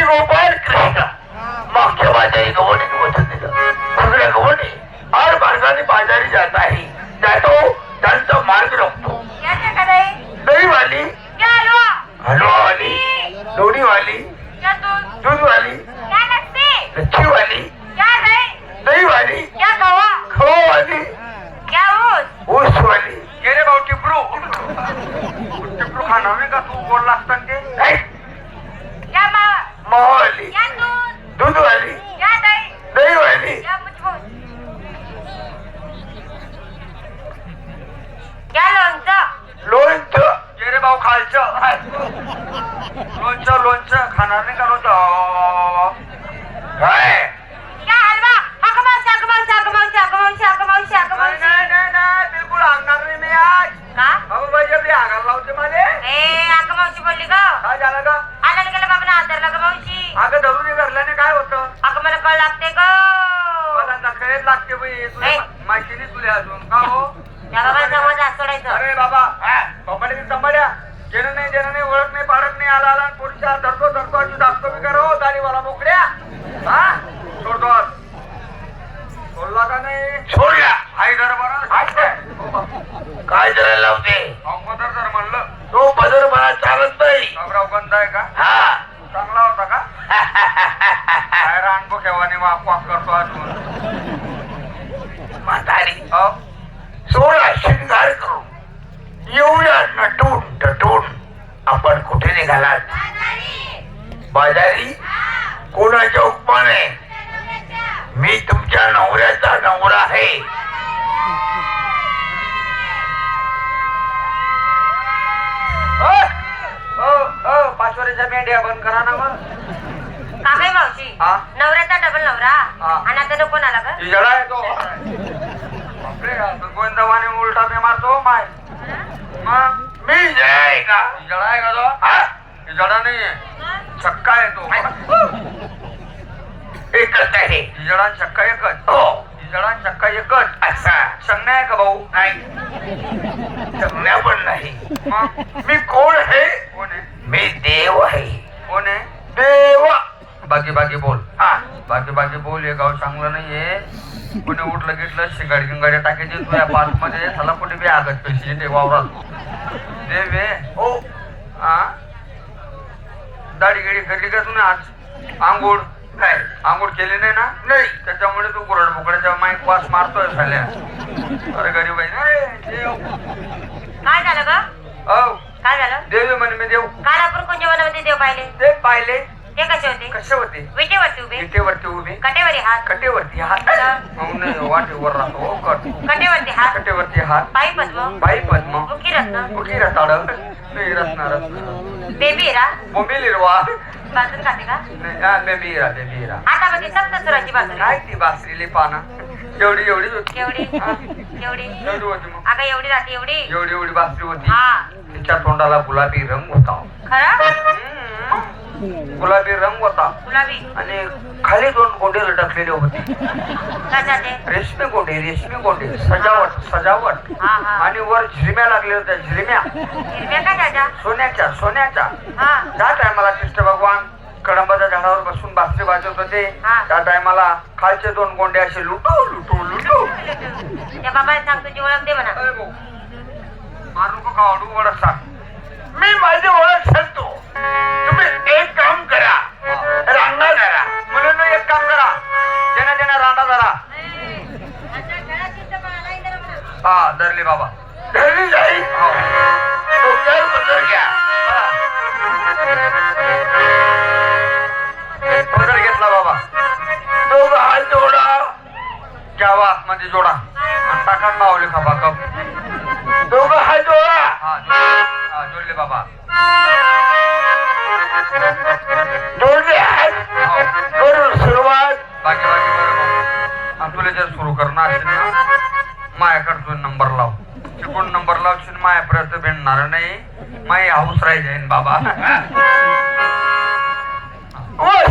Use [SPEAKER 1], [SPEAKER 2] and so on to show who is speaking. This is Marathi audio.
[SPEAKER 1] गोपाल कृष्ण मागच्या बाजारी गवणी वचन दिलं सगळ्या गवणी हर मार्गाने बाजारी जात आहे जातो त्यांचा मार्ग रोखतो दही वाली हलवा वाली लोणी वाली दूध वाली लच्छी वाली दही वाली खवा वाली ऊस वाली
[SPEAKER 2] गेले भाऊ टिपरू खाणार नाही का तू बोलला असताना ते
[SPEAKER 1] मावा वाली दूध वाली दही वाली लोणचं
[SPEAKER 2] गेले भाऊ खालचं लोणचं खाणार नाही का लोणचं
[SPEAKER 1] काय
[SPEAKER 2] नाही बिलकुल आणणार नाही मी आज बाबा बाई आपली आगार लावते मला
[SPEAKER 3] बोलली ग
[SPEAKER 2] काय झालं का
[SPEAKER 3] आणायला गेलं बाबा आदरला ग मावशी
[SPEAKER 2] अगं धरून घरल्याने काय होतं
[SPEAKER 3] अगं मला कळ लागते ग
[SPEAKER 2] मला नकळेत लागते बाई तुला माहिती नाही तुला अजून का हो
[SPEAKER 3] त्या बाबाला जवळ जा सोडायचं
[SPEAKER 2] अरे बाबा संभाळ्या जेणं नाही ओळख नाही पाडत नाही आला पोलीसच्या धरतो अशी दाखतो मी करो दाढीवाला मोकड्या हा सोडतो सोडला का नाही
[SPEAKER 1] सोडला
[SPEAKER 2] आई घर बरं
[SPEAKER 1] काय करायला लावते
[SPEAKER 2] मदर जर म्हणलं
[SPEAKER 1] तो बदल मला चालत नाही
[SPEAKER 2] बाबराव गंध आहे का
[SPEAKER 1] हा
[SPEAKER 2] चांगला होता का काय रानबो केव्हाने वाक करतो अजून
[SPEAKER 1] म्हातारी
[SPEAKER 2] हो
[SPEAKER 1] सोळा शिंगार करू एवढ्या नटून आपण कुठे निघालात बाजारी कोणाच्या उपमाने मी तुमच्या नवऱ्याचा नवरा आहे
[SPEAKER 2] पाचवरीच्या मेंढ्या बंद करा ना मग
[SPEAKER 3] काय मावशी नवऱ्याचा डबल नवरा आणि आता नको आला का
[SPEAKER 2] जडा येतो गोविंदवाने उलटा मी मारतो माय मग
[SPEAKER 1] मी जाय का
[SPEAKER 2] जडा आहे का तो जडा नाहीये छक्का आहे तो
[SPEAKER 1] एकच आहे
[SPEAKER 2] जडा छक्का एकच
[SPEAKER 1] हो
[SPEAKER 2] जडा छक्का एकच
[SPEAKER 1] असा
[SPEAKER 2] संज्ञा आहे का भाऊ
[SPEAKER 1] नाही जगण्या पण नाही
[SPEAKER 2] मग
[SPEAKER 1] मी कोण आहे
[SPEAKER 2] कोण आहे
[SPEAKER 1] मी देव आहे
[SPEAKER 2] कोण आहे
[SPEAKER 1] देव
[SPEAKER 2] बाकी बोल
[SPEAKER 1] हा
[SPEAKER 2] बाकी बोल हे गाव चांगलं नाहीये कोणी उठलं गिटलं शिंगाडी गिंगाडी टाकायची तुझ्या पाच मध्ये त्याला कुठे बी आगत पैसे ते वावरात देव
[SPEAKER 1] हो
[SPEAKER 2] हा दाढी गिडी करली का तुम्ही आज आंघोळ
[SPEAKER 1] नाही
[SPEAKER 2] आंघोळ केली नाही ना
[SPEAKER 1] नाही
[SPEAKER 2] त्याच्यामुळे तू गुरड बोकड्याच्या माईक वास मारतोय झाल्या अरे गरीब आहे देव
[SPEAKER 3] काय झालं ग
[SPEAKER 2] औ
[SPEAKER 3] काय झालं
[SPEAKER 2] देव म्हणे मी देव
[SPEAKER 3] काल आपण कोणत्या वनामध्ये देव पाहिले
[SPEAKER 2] ते पाहिले
[SPEAKER 3] ते कसे होते
[SPEAKER 2] कसे होते
[SPEAKER 3] विटेवरती उभे
[SPEAKER 2] विटेवरती उभे
[SPEAKER 3] कटेवरी हात
[SPEAKER 2] कटेवरती हात वाटेवर राहतो हो कट
[SPEAKER 3] कटेवरती हात
[SPEAKER 2] कटेवरती हात
[SPEAKER 3] पायी पद्म
[SPEAKER 2] बाई पद्म
[SPEAKER 3] मुखी रत्न
[SPEAKER 2] मुखी रताड नाही रत्ना
[SPEAKER 3] बेबी रा
[SPEAKER 2] बोंबिलिरवा
[SPEAKER 3] बाजून खाते का
[SPEAKER 2] बेबीरा
[SPEAKER 3] हातामध्ये सप्तसुराची बाजू
[SPEAKER 2] काय ती बासरीली पानं एवढीच होती
[SPEAKER 3] एवढी
[SPEAKER 2] एवढी होती मग
[SPEAKER 3] अगं एवढी राहते एवढी
[SPEAKER 2] एवढी बासरी होती
[SPEAKER 3] हा
[SPEAKER 2] तिच्या तोंडाला गुलाबी रंग होता
[SPEAKER 3] खरं
[SPEAKER 2] गुलाबी रंग होता
[SPEAKER 3] गुलाबी
[SPEAKER 2] आणि खाली दोन गोंडे लटकलेले होते
[SPEAKER 3] कशाचे
[SPEAKER 2] रेशमी गोंडे सजावट
[SPEAKER 3] हा हा
[SPEAKER 2] आणि वर झिरम्या लागल्या होत्या झिरम्या
[SPEAKER 3] हिरव्या कशाच्या
[SPEAKER 2] सोन्याच्या
[SPEAKER 3] हा
[SPEAKER 2] त्या टायमाला कृष्ण भगवान कडंबाच्या झाडावर बसून बासरी वाजवत होते त्या टायमाला खालचे दोन गोंडे असे लुटू
[SPEAKER 3] त्या बाबाला सांग तुझी ओळख दे म्हणा
[SPEAKER 2] मारू का काढू वडा सांग
[SPEAKER 1] मी माझी ओळख सांगतो तुम्ही एक काम करा रांगा धरा
[SPEAKER 2] मुलांना एक काम करा ज्यांना रांडा धरा हा धरले बाबा
[SPEAKER 1] घरी जाईल डोक्यावर पदर घ्या
[SPEAKER 2] पदर घेतला बाबा
[SPEAKER 1] दोघं हात जोडा
[SPEAKER 2] घ्यावा आतमध्ये जोडा आणि टाका मावली खपा कप
[SPEAKER 1] दोघं हात जोडा
[SPEAKER 2] हा जोडले बाबा
[SPEAKER 1] जोडले हात करून सुरुवात
[SPEAKER 2] बाकी बरोबर आणि तुला जर सुरू करणार असेल ना माझ्याकडे नंबर लाव चिकून नंबर लावशील माझ्यापर्यंत भेटणार नाही माझी हाऊस राही जाईन बाबा
[SPEAKER 1] ओय